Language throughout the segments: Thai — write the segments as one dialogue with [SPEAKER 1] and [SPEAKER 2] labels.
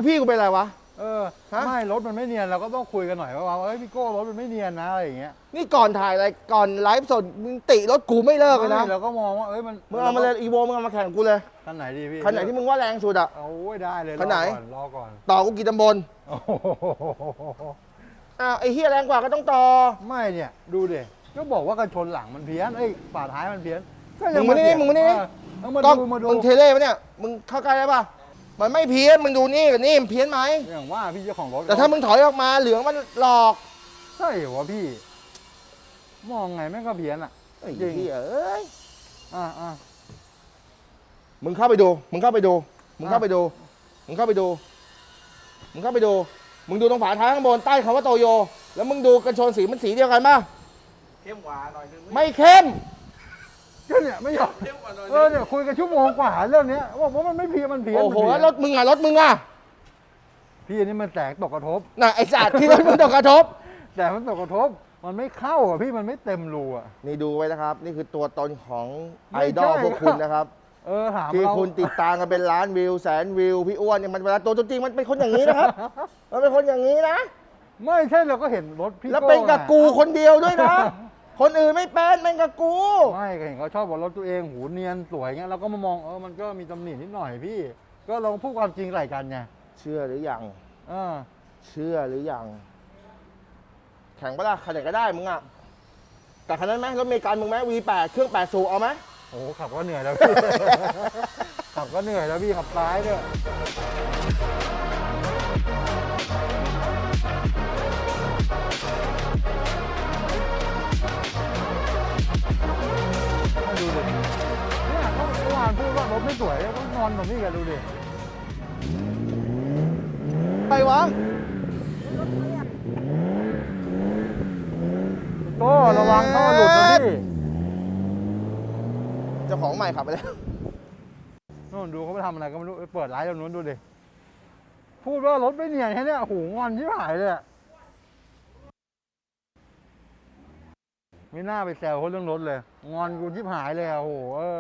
[SPEAKER 1] พี่กูเป็นอะไรวะ
[SPEAKER 2] ไม่รถมันไม่เนียนเราก็ต้องคุยกันหน่อยว่าเฮ้ยพี่โก้รถมันไม่เนียนนะอะไรอย่างเงี้ย
[SPEAKER 1] นี่ก่อนถ่ายอะไรก่อนไลฟ์สดมึงติรถกูไม่เลิกเลยนะ
[SPEAKER 2] เราก็มองว่า
[SPEAKER 1] มึงเอามาเลยอีโวมึงเอามาแข่งกูเลย
[SPEAKER 2] คันไหนดีพี่
[SPEAKER 1] คันไหนที่มึงว่าแรงสุดอ่ะ
[SPEAKER 2] โอ้ยได้เลย
[SPEAKER 1] คันไหน
[SPEAKER 2] รอก่อน
[SPEAKER 1] ต่อกูกี่ตำบลไอ้เฮียแรงกว่าก็ต้องต่อ
[SPEAKER 2] ไม่เนี่ยดูดิก็บอกว่ากันชนหลังมันเพี้ยนฝาท้ายมันเพี้ยน
[SPEAKER 1] มึงมานี่มาดูมึงเทเล่ปะเนี่ยมึงเข้าใกล้ได้ปะมันไม่เพี้ยนมึงดูนี่กับนี่มันเพี้ยนไหม
[SPEAKER 2] อย่างว่าพี่เจ้าของรถ
[SPEAKER 1] แต่ถ้ามึงถอยออกมาเหลืองมันหลอก
[SPEAKER 2] ใช่เหรอวะพี่มองไงแม่งก็เพี้ยนอ่ะ
[SPEAKER 1] จริงเอ้ยมึงเข้าไปดูมึงเข้าไปดูมึงเข้าไปดูมึงเข้าไปดูมึงเข้าไปดูมึงดูตรงฝาท้ายข้างบนใต้คำว่าโตโยแล้วมึงดูกันชนสีมันสีเดียวกันป่ะ
[SPEAKER 3] เข้มกว่าหน่อยนึง
[SPEAKER 1] ไม่เข้ม
[SPEAKER 2] ก็เนี่ยไม่ยอมเนี่ยคุยกันชั่วโมงกว่าเรื่องนี้บอกว่ามันไม่เพี้ยนมันเพี้ยน
[SPEAKER 1] โอ้โหรถมึงอ่ะ
[SPEAKER 2] พี่อันนี้มันแสงตกกระทบ
[SPEAKER 1] น่ะไอ้สัตว์ที่รถมึงตกกระทบ
[SPEAKER 2] แต่มันตกกระทบมันไม่เข้าอ่ะพี่มันไม่เต็มรูอ่ะ
[SPEAKER 1] นี่ดูไว้นะครับนี่คือตัวตนของไอดอลพวกคุณนะครับ
[SPEAKER 2] ถาม
[SPEAKER 1] ที่คุณติดตามกันเป็นล้านวิวแสนวิวพี่อ้วนเนี่ยมันเวลาตัวจริงมันเป็นคนอย่างนี้นะครับมันเป็นคนอย่างนี้นะ
[SPEAKER 2] ไม่ใช่เราก็เห็นรถพี่
[SPEAKER 1] แล้วเป็นกับกูคนเดียวด้วยนะคนอื่นไม่เป็นกับกู
[SPEAKER 2] ไม่เห็นเขาชอบบอกรถตัวเองหูเนียนสวยเงี้ยเราก็มามองมันก็มีตำหนินิดหน่อยพี่ก็ลองพูดความจริงใส่กันไง
[SPEAKER 1] เชื่อหรือยังเชื่อหรือยังแข่งปะล่ะคันไหนก็ได้มึงอ่ะแต่คันนั้นไหมรถเมกันมึงไหม V8 เครื่อง8 สูบเอาไหม
[SPEAKER 2] โอ้ขับก็เหนื่อยแล้วพี่ขับก็เหนื่อยแล้วพี่ขับซ้ายด้วยดูดิเนี่ยเขาเมื่อวานพูดว่ารถไม่สวยต้องนอนตรงนี้กันดูดิ
[SPEAKER 1] ไปวะ
[SPEAKER 2] โต้ระวังท่อหลุดนะพี่
[SPEAKER 1] เจ้าของใหม่ขับไปแล้ว
[SPEAKER 2] นู่นดูเขาไปทำอะไรก็ไม่รู้เปิดไลฟ์ตรงนู้นดูดิพูดว่ารถไม่เนียนแค่นี้หูงอนชิบหายเลยไม่น่าไปแซวเขาเรื่องรถเลยงอนกูชิบหายเลยโอ้โห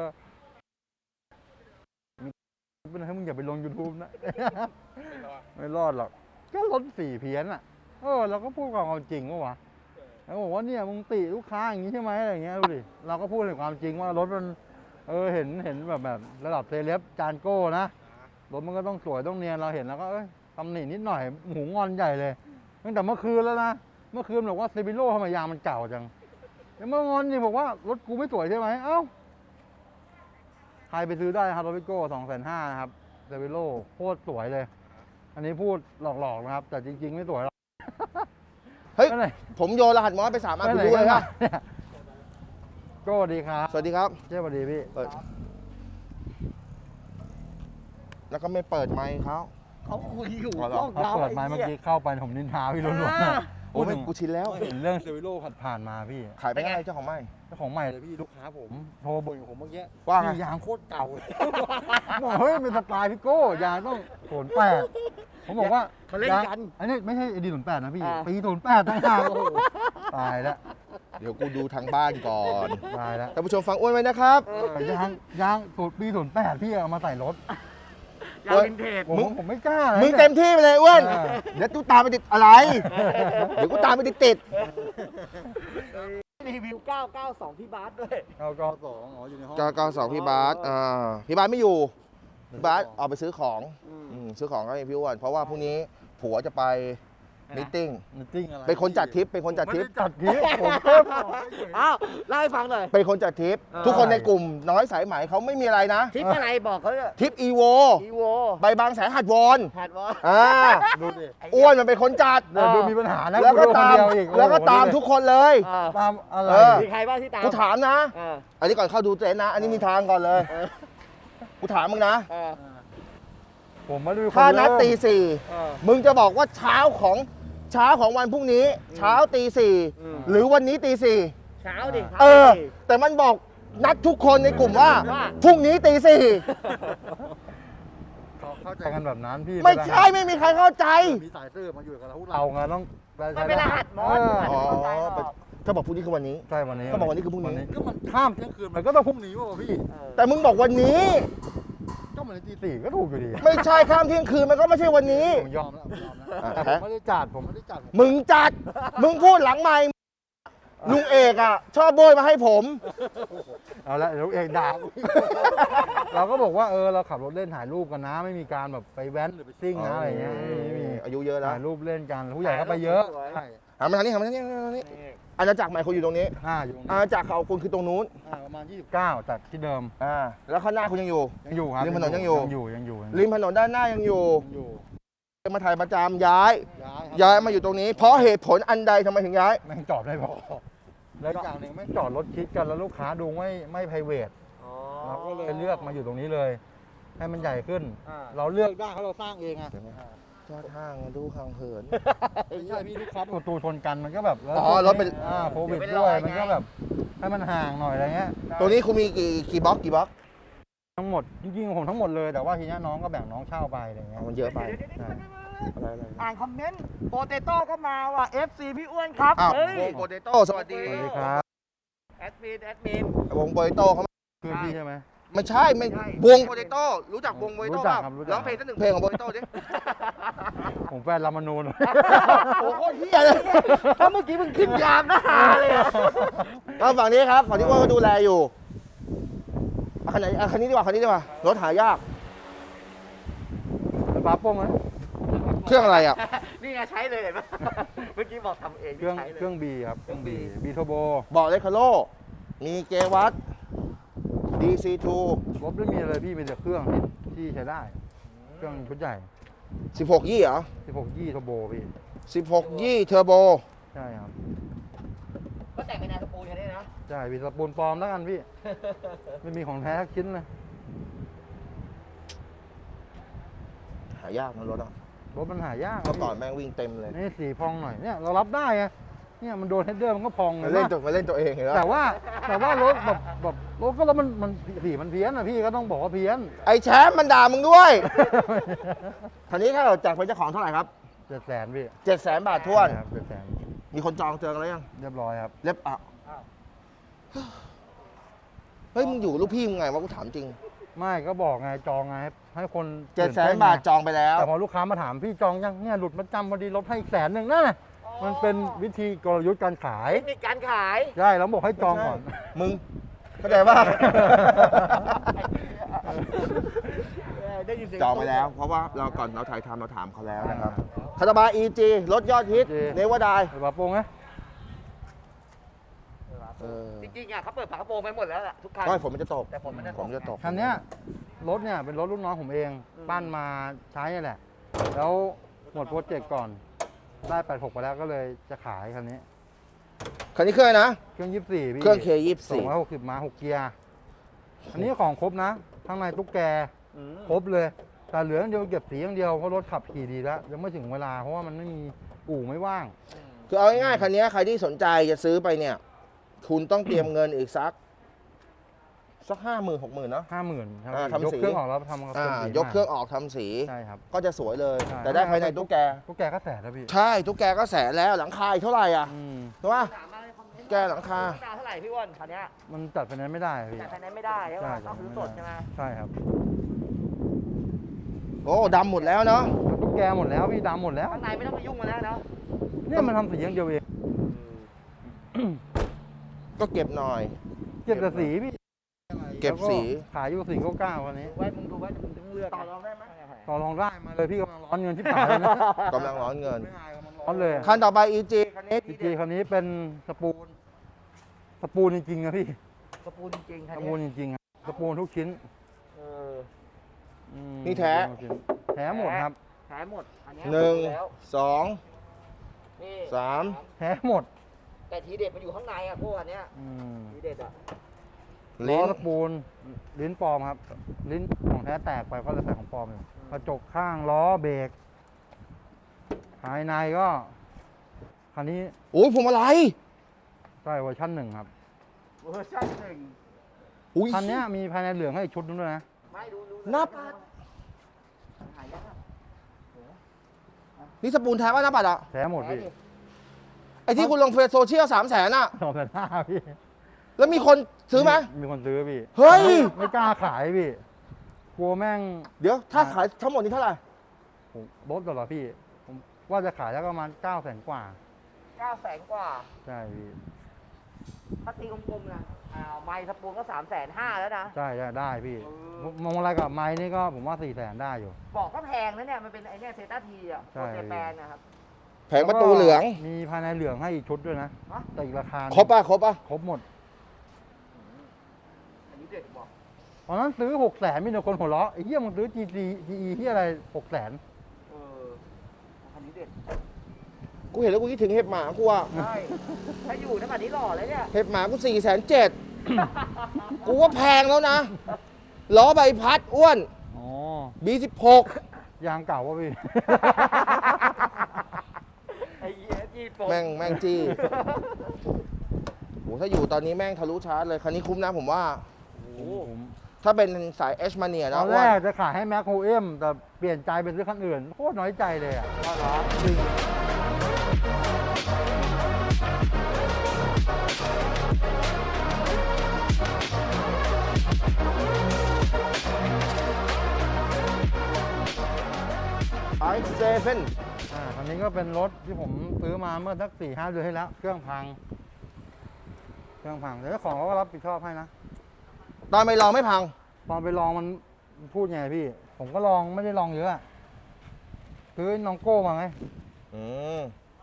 [SPEAKER 2] เป็นให้มึงอย่าไปลง YouTube นะไม่รอดหรอกก็รถสีเพี้ยนอ่ะเราก็พูดความจริงวะแล้วบอกว่าเนี่ยมึงติลูกค้าอย่างนี้ใช่ไหมอะไรเงี้ยดูดิเราก็พูดถึงความจริงว่ารถมันเห็นแบบระดับเซเลบจานโก้นะรถมันก็ต้องสวยต้องเนียนเราเห็นแล้วก็ตำหนินิดหน่อยหูงอนใหญ่เลยตั้งแต่เมื่อคืนแล้วนะเมื่อคืนบอกว่าเซบิโร่ทำไมยางมันเก่าจังแล้วเมื่องอนนี่บอกว่ารถกูไม่สวยใช่ไหมเอ้าใครไปซื้อได้ครับรถพิโก้250,000นะครับเซบิโร่โคตรสวยเลยอันนี้พูดหลอกๆนะครับแต่จริงๆไม่สวยหรอก
[SPEAKER 1] เฮ้ยผมโยนรหัสมอสไป3 อันคุณรู้เลยครับ
[SPEAKER 2] โก้ดีครับ
[SPEAKER 1] สวัสดีครับ
[SPEAKER 2] เจ้าสวัสดีพี่
[SPEAKER 1] แล้วก็ไม่เปิดไมค์เขา
[SPEAKER 3] คุยอยู่
[SPEAKER 2] เขาเปิดไมค์เมื่อกี้เข้าไปผมนินทาพี่ล้วน
[SPEAKER 1] ๆโอ้ยกูชินแล้ว
[SPEAKER 2] เห็นเรื่องเซวิโร่ผ่านมาพี่
[SPEAKER 1] ขายไปไงเจ้าของใหม่
[SPEAKER 2] เลยพี่ลูกค้าผมโทรบ่นกับผมเมื่อกี้
[SPEAKER 1] ว่าไง
[SPEAKER 2] ยางโคตรเก่าบอกเฮ้ยเป็นสไตล์พี่โก้ยางต้อง08ผมบอกว่า
[SPEAKER 3] เขาเล่นกัน
[SPEAKER 2] อันนี้ไม่ใช่ดี08นะพี่ปี08ตั้งหากตายแล้ว
[SPEAKER 1] เดี๋ยวกูดูทางบ้านก่อน
[SPEAKER 2] ตายแล้ว
[SPEAKER 1] ท่านผู้ชมฟังอ้วนไว้นะครับ
[SPEAKER 2] ยางสูตรปี08พี่เอามาใส่รถ
[SPEAKER 3] ยางวินเทจ
[SPEAKER 2] ผมไม่กล้าเลย
[SPEAKER 1] มึงเต็มที่ไปเลยอ้วนเดี๋ยวกูตามไปติดอะไรเดี๋ยวกูตามไปติด
[SPEAKER 3] รีวิว992พี่บาสด้วย
[SPEAKER 2] 992อยู่ในห้อง
[SPEAKER 1] 992พี่บาสพี่บาสไม่อยู่พี่บาสออกไปซื้อของก็ให้พี่อ้วนเพราะว่าพรุ่งนี้ผัวจะไปมีตติ้งเป็นคนจัดทริปผม
[SPEAKER 3] อ้าวเล่าให้ฟังหน่อย
[SPEAKER 1] เป็นคนจัดทริปทุกคนในกลุ่มน้อยสายไหมเขาไม่มีอะไรนะ
[SPEAKER 3] ทริปอะไรบอกเขา
[SPEAKER 1] ทริปอีโวใบบางแสนหัดวอน
[SPEAKER 2] ดูดิ
[SPEAKER 1] อ้วนมันเป็นคนจัด
[SPEAKER 2] ดูมีปัญหานะ
[SPEAKER 1] แล้วก็ตามทุกคนเลย
[SPEAKER 2] ตามอะไร
[SPEAKER 3] มีใครบ้างที่ตาม
[SPEAKER 1] กูถามนะอันนี้ก่อนเข้าดูเต็นท์นะอันนี้มีทางก่อนเลยกูถามมึงนะ
[SPEAKER 2] ผมมาดู
[SPEAKER 1] ถ้านัดตี 4มึงจะบอกว่าเช้าของวันพรุ่งนี้เช้าตี 4หรือวันนี้ตี 4
[SPEAKER 3] เช้าดิ
[SPEAKER 1] แต่มันบอกนัดทุกคนในกลุ่มว่าพรุ่งนี้ตี 4
[SPEAKER 2] เข้าใจกันแบบนั้นพี่
[SPEAKER 1] ไม่ใช่ไม่มีใครเข้าใจ
[SPEAKER 2] มีสายตื้อมาอยู่กับเราไงต้อง
[SPEAKER 3] มันเป็นรหัสมอส
[SPEAKER 1] ถ้าบอกพรุ่งนี้คือวันนี้
[SPEAKER 2] ใช่วันนี้
[SPEAKER 1] ถ้าบอกวันนี้คือพรุ่งนี้
[SPEAKER 2] ก็มันข้ามเที่ยงคืนมันก็ต้องพรุ่งนี้ว่ะพี่
[SPEAKER 1] แต่มึงบอกวันนี้
[SPEAKER 2] ก็เหมือนตี 4ก็ถูกอยู่ดี
[SPEAKER 1] ไม่ใช่ข้ามเที่ยงคืนมันก็ไม่ใช่วันนี้
[SPEAKER 2] ผมยอมแล้ว
[SPEAKER 1] อ่ะ
[SPEAKER 2] แต่ผมไม่ได้จัดผมไม่ได้จัด
[SPEAKER 1] มึงจัด มึงพูดหลังไมค์ลุงเอกอ่ะ ชอบโบยมาให้ผม
[SPEAKER 2] เอาละเดี๋ยวเอกด่าเราก็บอกว่าเราขับรถเล่นถ่ายรูปกันนะ ไม่มีการแบบไปแว้นหรือไปซิ่งนะอะไรเงี้ยไม่มี
[SPEAKER 1] อายุเยอะแล้ว
[SPEAKER 2] ถ่ายรูปเล่นกันผู้ใหญ่ก็ไปเยอะใช่
[SPEAKER 1] หันมาทางนี้หันมาทางนี้หันมาทางนี้อาณาจักรใหม่คุณอยู่ตรงนี้
[SPEAKER 2] อยู่ตรง
[SPEAKER 1] อา
[SPEAKER 2] นี้
[SPEAKER 1] ณาจักรเขาคุณคือตรงนู้น
[SPEAKER 2] ประมาณ29จากที่เดิม
[SPEAKER 1] แล้วข้างหน้าคุณยังอยู่
[SPEAKER 2] ยังอยู่ครับ
[SPEAKER 1] ริมถนนยังอยู่
[SPEAKER 2] ยังอยู่
[SPEAKER 1] ริมถนนด้านหน้ายังอยู่
[SPEAKER 2] อยู่
[SPEAKER 1] จะมาถ่ายประจำย้าย
[SPEAKER 2] ครับ
[SPEAKER 1] ย้ายมาอยู่ตรงนี้ เพราะเหตุผลอันใดทำไมถึงย้าย
[SPEAKER 2] แม่งจอดไม่พอแล้วอีกอย่างหนึ่งแม่งจอดรถชิดกันแล้วลูกค้าดูไม่ไพรเวทเราก็เลยเลือกมาอยู่ตรงนี้เลย ให้มันใหญ่ขึ้น เราเลือกได้เพราะเราสร้างเองอะ
[SPEAKER 1] จอดห้างดูห่างเหิน
[SPEAKER 2] ไม่ใช่พี่ลูกค้าประตูชนกันมันก็แบบแล้ว
[SPEAKER 1] อ๋อรถเป็น
[SPEAKER 2] โควิดด้วยมันก็แบบให้มันห่างหน่อยอะไรเงี้ย
[SPEAKER 1] ตรงนี้คุณมีกี่บล็อกกี่บล็อก
[SPEAKER 2] ทั้งหมดจริงๆผมทั้งหมดเลยแต่ว่าทีนี้น้องก็แบ่งน้องเช่าไปอะไรเงี้ย
[SPEAKER 1] มันเยอะไป
[SPEAKER 2] ใช่
[SPEAKER 1] อะไร
[SPEAKER 3] อ่านคอมเมนต์โปเตโต้ก็มาว่ะ FC พี่อ้วนครับ
[SPEAKER 1] อ้าว
[SPEAKER 3] เฮ้ยว
[SPEAKER 1] งโปเตโต้สวัสดี
[SPEAKER 2] สวัสดีครับ
[SPEAKER 3] แอดมิน
[SPEAKER 1] วงโปเตโต้เขา
[SPEAKER 2] เพื่อนพี่ใช่ไหม
[SPEAKER 1] ไม่ใช่ไม่วงโปเตโต้รู้จักวงโปเต
[SPEAKER 2] รู้
[SPEAKER 1] โต้
[SPEAKER 2] จัก
[SPEAKER 1] ป่ะ
[SPEAKER 2] ครับรู้จัก
[SPEAKER 1] ร้องเพลงสักหนึ่งเพลงของโปเตโต้ดิ
[SPEAKER 2] ผมแฟนรามนูน
[SPEAKER 1] โอ้โหเฮียเลย
[SPEAKER 3] ถ้าเมื่อกี้มึงขึ้นยามนะฮาเลยอะ
[SPEAKER 1] ก็ฝั่งนี้ครับฝั่งที่ว่าก็ดูแลอยู่เอาคันไหนเอาคันนี้ดีกว่าคันนี้ดีกว่ารถหายาก
[SPEAKER 2] เป็นปลาโป้งไหม
[SPEAKER 1] เครื่องอะไรอ่ะ
[SPEAKER 3] นี่ไงใช้เลยเห็นปะเมื่อกี้บอกทำเอง
[SPEAKER 2] เครื่อง
[SPEAKER 3] ใช้เลย
[SPEAKER 2] เครื่องบีครับเครื่องบีบีโทโบ
[SPEAKER 1] บอกเลคาโลมีเกวัต DC2
[SPEAKER 2] รถไม่มีอะไรพี่มีแต่เครื่องที่ใช้ได้ เครื่องชุดใหญ่
[SPEAKER 1] 16 ยี่เหรอ
[SPEAKER 2] 16 ยี่โทโบพี่
[SPEAKER 1] 16 ยี่เทอร์โบ
[SPEAKER 2] ใช่ครับ
[SPEAKER 3] ก็แต่งเป็นแนวสปูนแค่นี้นะ
[SPEAKER 2] ใช่พี่สปูนปลอมแล้วกันพี่ ไม่มีของแท้สักชิ้นเลย
[SPEAKER 1] หายากนะรถอ่ะ
[SPEAKER 2] รถมันหายาก
[SPEAKER 1] เมื่อก่อนแม่งวิ่งเต็มเลย
[SPEAKER 2] นี่สีพองหน่อยเนี่ยเรารับได้ไงเนี่ยมันโดนเฮดเดอร์มันก็พอง
[SPEAKER 1] มาเล่นตัวเองเหรอ
[SPEAKER 2] แต่ว่ารถแบบรถก็แล้วมันสีมันเพี้ยนอ่ะพี่ก็ต้องบอกว่าเพี้ยน
[SPEAKER 1] ไอ้แชมป์มันด่ามึงด้วย คันนี้ถ้าเราจากเป็นเจ้าของเท่าไหร่ครับ
[SPEAKER 2] 700,000พี่
[SPEAKER 1] 700,000 บาทท้วน
[SPEAKER 2] ครับ700,000
[SPEAKER 1] มีคนจองเจอกันแล้วยัง
[SPEAKER 2] เรียบร้อยครับ
[SPEAKER 1] เล็บอ่ะเฮ้ยมึงอยู่กับลูกพี่มึงไงวะกูถามจริง
[SPEAKER 2] ไม่ก็บอกไงจองไงให้คน
[SPEAKER 1] 700,000 บาทจองไปแล้ว
[SPEAKER 2] แต่พอลูกค้ามาถามพี่จองยังเนี่ยหลุดมาจำพอดีลดให้อีก100,000นั่นน่ะมันเป็นวิธีกลยุทธ์การขาย
[SPEAKER 3] เทคนิคการขาย
[SPEAKER 2] ใช่แล้วบอกให้จองก่อน
[SPEAKER 1] มึงเข้าใจว่า
[SPEAKER 3] ได้ยินเสียง
[SPEAKER 1] จองไปแล้ว เพราะว่าเราก่อนเราถ่ายทำเราถามเขาแล้วนะครับคาตาบา EG รถยอดฮิต
[SPEAKER 2] EG
[SPEAKER 1] เนวาได
[SPEAKER 2] ไอ้บาโป้งไหม
[SPEAKER 3] จริงๆอ่ะเขาเปิดฝากระโปรงไปหมดแล้วล่ะทุกคัน
[SPEAKER 1] ก็ฝนมันจะตก
[SPEAKER 3] แต่ฝนมันจะตก
[SPEAKER 1] ฝนมันจะตก
[SPEAKER 2] คันเนี้ยรถเนี่ยเป็นรถรุ่นน้องผมเอง ปั้นมาใช้นี่แหละ แล้วหมดโปรเจกต์ก่อนได้86ไปแล้วก็เลยจะขายคันนี้
[SPEAKER 1] คันนี้เครื่องอะไรนะ
[SPEAKER 2] เครื่อง24พี่
[SPEAKER 1] เครื่อง K24
[SPEAKER 2] 260ม้า6เกียร์อันนี้ของครบนะข้างในตุ๊กแกครบเลย แต่เหลืออย่างเดียวเก็บสีอย่างเดียวเพราะรถขับขี่ดีแล้วยังไม่ถึงเวลาเพราะว่ามันไม่มีอู่ไม่ว่าง
[SPEAKER 1] คือเอาง่ายๆคันนี้ใครที่สนใจจะซื้อไปเนี่ย คุณต้องเตรียมเงินอีกสัก 50,000 60,000เนาะ
[SPEAKER 2] 50,000ครับ
[SPEAKER 1] ทำ
[SPEAKER 2] ยก
[SPEAKER 1] สี
[SPEAKER 2] เครื่องออกแล้วทำกับเป็นสี
[SPEAKER 1] ยกเครื่องออกทำสี
[SPEAKER 2] ใช่ครับ
[SPEAKER 1] ก็จะสวยเลย
[SPEAKER 2] ใช่
[SPEAKER 1] แต่ได้ภายในตุ๊กแก
[SPEAKER 2] ตุ๊กแกก็แสนแล้วพี่
[SPEAKER 1] ใช่ตุ๊กแกก็แสนแล้วหลังคาอีกเท่าไหร่อ่ะ
[SPEAKER 2] อืม
[SPEAKER 1] ถูกป่ะ
[SPEAKER 3] ถามมาในคอมเมนต์
[SPEAKER 1] แกหลังคา
[SPEAKER 3] ดาวเท่าไหร่พี่อ้วนคันเนี้ย
[SPEAKER 2] มันจัดไฟแนนซ์ไม่ได้พี่
[SPEAKER 3] แต่คันนี้ไม่ได้ใช่ไหม
[SPEAKER 2] ใช่
[SPEAKER 3] ต้องซื้อสดใช่ไหม
[SPEAKER 2] ใช่ครับ
[SPEAKER 1] โอ้ดำหมดแล้วเนาะ
[SPEAKER 2] มันตุ๊กแกหมดแล้วพี่ดำหมดแล้ว
[SPEAKER 3] ข้างในไม่ต้องไปยุ่งมันแล้วเนาะ
[SPEAKER 2] เนี่ยมันทำสีอย่างเดียวเอง
[SPEAKER 1] ก็เก็บหน่อย
[SPEAKER 2] เก็บแต่สีพี่
[SPEAKER 1] เก็บสี
[SPEAKER 2] แล้วขายอยู่499วันนี้
[SPEAKER 3] ไว้มึงดูว่ามึงต้องเลือกต่อรองได้ไหม
[SPEAKER 2] ต่อรองได้มาเลยพี่กำลังร้อนเงินที่ป่ายเลยนะ
[SPEAKER 1] กำลังร้อนเงิน
[SPEAKER 2] ไม่อายกำลังร้อนเลย
[SPEAKER 1] คันต่อไป EG คันนี้
[SPEAKER 2] จริงๆคันนี้เป็นสปูนจริงๆนะพี่
[SPEAKER 3] กระปูนจริงๆคัน
[SPEAKER 2] ส
[SPEAKER 3] นี้
[SPEAKER 2] ปูนจริงๆครับสปูนทุกชิ้น
[SPEAKER 3] เออ
[SPEAKER 2] อืม
[SPEAKER 1] นี่แท้
[SPEAKER 2] ทุกชิ้นแท้หมดครับ
[SPEAKER 3] แท้หมดอันเนี้ย
[SPEAKER 1] หนึ่ง
[SPEAKER 3] ดูแล้ว
[SPEAKER 1] สอง
[SPEAKER 3] นี่
[SPEAKER 1] สาม
[SPEAKER 2] แท้หมด
[SPEAKER 3] แต่ทีเด็ดมันอยู่ข้างในอ่ะพวกอันเนี้ย
[SPEAKER 2] อืม
[SPEAKER 3] ทีเด็ดอ่ะ
[SPEAKER 2] ล้
[SPEAKER 1] ลิ้
[SPEAKER 2] อน สปูนลิ้นปลอมครับ ลิ้นของแท้แตกไปก็เลยใส่ของปลอมอยู่กระจกข้างล้อเบรกภายในก็คันนี้
[SPEAKER 1] โอ้ยผมอะไร
[SPEAKER 2] ใช่เวอร์ชัน1ครับ
[SPEAKER 3] เวอร์ชันหนึ่ง
[SPEAKER 1] อุ้ย
[SPEAKER 2] คันนี้มีภายในเหลืองให้อีกชุดนึงด้วยนะ
[SPEAKER 3] ไม่ดู
[SPEAKER 1] นับ
[SPEAKER 3] หายาก
[SPEAKER 1] นี่สปูนแท้ป่ะนะปัดอ่ะ
[SPEAKER 2] แท้หมดพี่
[SPEAKER 1] ไอที่คุณลงเฟซโซเชียล300,000อ่ะ
[SPEAKER 2] 2,500พี่
[SPEAKER 1] แล้วมีคนซื้อไหม
[SPEAKER 2] มีคนซื้อพี่
[SPEAKER 1] เฮ้ย
[SPEAKER 2] ไม่กล้าขายพี่กลัวแม่ง
[SPEAKER 1] เดี๋ยวถ้าขายทั้งหมดนี้เท่าไหร่
[SPEAKER 2] ผมลดก่อนเหรอพี่ ผมว่าจะขายแล้วประมาณ900,000 กว่า
[SPEAKER 3] 900,000 กว่า
[SPEAKER 2] ใช่พี่
[SPEAKER 3] ถ้าตีกลมๆนะไมค์สปูนก็350,000แล้วนะ
[SPEAKER 2] ใช่ได้พี่มองอะไรกับไม้นี่ก็ผมว่า400,000ได้อยู่
[SPEAKER 3] บอกก็แพงนะเนี่ยมันเป็นไอ้เนี่ยเซต้าทีอ่ะ
[SPEAKER 2] ใช่
[SPEAKER 3] ตัวเจแปนนะครับ
[SPEAKER 1] แผงประตูเหลือง
[SPEAKER 2] มีภายในเหลืองให้อีกชุดด้วยนะ
[SPEAKER 3] ฮะ
[SPEAKER 2] แต่อีกราคาหนึ่ง
[SPEAKER 1] ครบป่ะครบป่ะ
[SPEAKER 2] ครบหมด
[SPEAKER 3] อันนี้เด็ดบอก
[SPEAKER 2] ตอนนั้นซื้อ600,000มีแต่คนหัวเราะไอ้เหี้ยมึงซื้อ GE ที่อะไร600,000
[SPEAKER 3] อันนี้เด็ด
[SPEAKER 1] กูเห็นแล้วกูคิดถึงเห็บหมากูอ่ะ
[SPEAKER 3] ใช่ถ้าอยู่นะแบบนี้หล่อเลยเนี่ย
[SPEAKER 1] เห็บหมากู470,000กูว่าแพงแล้วนะล้อใบพัดอ้วน
[SPEAKER 2] อ๋อ
[SPEAKER 1] B16
[SPEAKER 2] ยางเก่าวะพี่
[SPEAKER 3] ไอ้เหี้ยจีโป
[SPEAKER 1] แม่งจี้โหถ้าอยู่ตอนนี้แม่งทะลุชาร์จเลย คันนี้คุ้มนะผมว่า
[SPEAKER 2] ผม
[SPEAKER 1] ถ้าเป็นสาย H Mania
[SPEAKER 2] ต
[SPEAKER 1] นะ
[SPEAKER 2] อนแรกจะขายให้แม็กโฮเอ็มแต่เปลี่ยนใจเป็นซื้อคันอื่นโคตรน้อยใจเลยอ่ะ
[SPEAKER 3] ก็เหรอ
[SPEAKER 2] จริง
[SPEAKER 1] i7
[SPEAKER 2] คันนี้ก็เป็นรถที่ผมซื้อมาเมื่อสัก4-5 เดือนที่แล้ว เครื่องพังแต่เจ้าของเขาก็รับผิดชอบให้นะ
[SPEAKER 1] ตอนไปลองไม่พัง
[SPEAKER 2] ตอนไปลองมันพูดไงพี่ ผมก็ลองไม่ได้ลองเยอะอะซื้อน้องโก้มาไง
[SPEAKER 1] อืม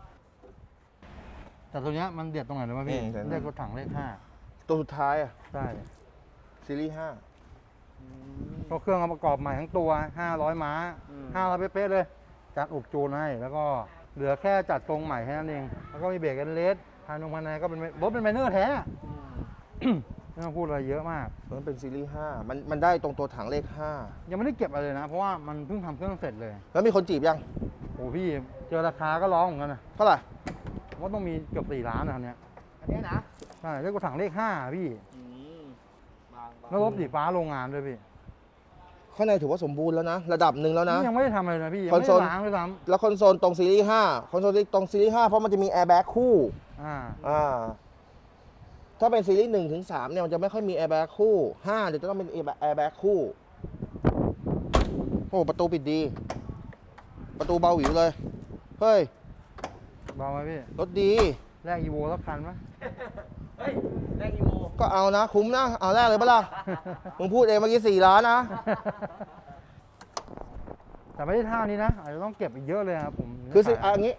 [SPEAKER 2] แต่ตัวเนี้ยมันเด็ดตรงไหนรู้ไหมพี่
[SPEAKER 1] อืมเด็ดนะ
[SPEAKER 2] เรียกรถถังเลข
[SPEAKER 1] ตัวสุดท้ายอ่ะ
[SPEAKER 2] 5ใช่
[SPEAKER 1] ซีรีส์
[SPEAKER 2] ก็เครื่องเอาประกอบใหม่ทั้งตัว500 ม้า500เป๊ะๆเลย จัดอุกจูนให้ แล้วก็เหลือแค่จัดทรงใหม่แค่นั้นเอง แล้วก็มีเบรกกันเลสภายในก็เป็นรถเป็นไมเนอร์แท้ ไม่ต้องพูดอะไรเยอะมาก
[SPEAKER 1] 5มันเป็นซีรีส์ 5มันได้ตรงตัวถังเลข
[SPEAKER 2] ยังไม่ได้เก็บอะไรเลยนะ เพราะว่ามันเพิ่งทำเครื่องเสร็จเลย
[SPEAKER 1] 5แล้วมีคนจีบยัง
[SPEAKER 2] โอ้พี่เจอราคาก็ร้องเหมือนกันนะ
[SPEAKER 1] เท่าไหร่
[SPEAKER 2] ว่าต้องมีเกือบ4 ล้านนะคันเนี้ย
[SPEAKER 3] อันเนี้ยนะ
[SPEAKER 2] ใช่เรียกว่าถังเลข5พี่
[SPEAKER 3] บาง
[SPEAKER 2] แล้วรถสีฟ้าโรงงานด้วยพี่
[SPEAKER 1] ข้างในถือว่าสมบูรณ์แล้วนะ ระดับหนึ่งแล้วนะ
[SPEAKER 2] นี่ยังไม่ได้ทำอะไรนะพี่ ยัง
[SPEAKER 1] คอน
[SPEAKER 2] ไม่
[SPEAKER 1] โซ
[SPEAKER 2] ได้
[SPEAKER 1] ล
[SPEAKER 2] ล้างด้วยซ้
[SPEAKER 1] แล้วคอนโซลตรงซีรีส์5คอนโซลตรงซีรีส์5เพราะมันจะมีแอร์แบ็กคู่
[SPEAKER 2] ำ
[SPEAKER 1] ถ้าเป็นซีรีส์1 ถึง 3เนี่ยมันจะไม่ค่อยมีแอร์แบ็กคู่5เดี๋ยวจะต้องเป็นแอร์แบ็กคู่โอ้ประตูปิดดี ประตูเบาหวิวเลย เฮ้ย
[SPEAKER 2] เบาไหมพี่
[SPEAKER 1] รถดี
[SPEAKER 2] แลกอีโวสักคันไหม
[SPEAKER 3] เฮ้ยแรงอีโว
[SPEAKER 1] ก็เอานะ คุ้มนะ เอาแรกเลยปะล่ะ มึงพูดเองเมื่อกี้4 ล้านนะ
[SPEAKER 2] แต่ไม่ได้ท่านี้นะ อาจจะต้องเก็บอีกเยอะเลยครับผม
[SPEAKER 1] คือสิ
[SPEAKER 2] ขาย
[SPEAKER 1] อันนี้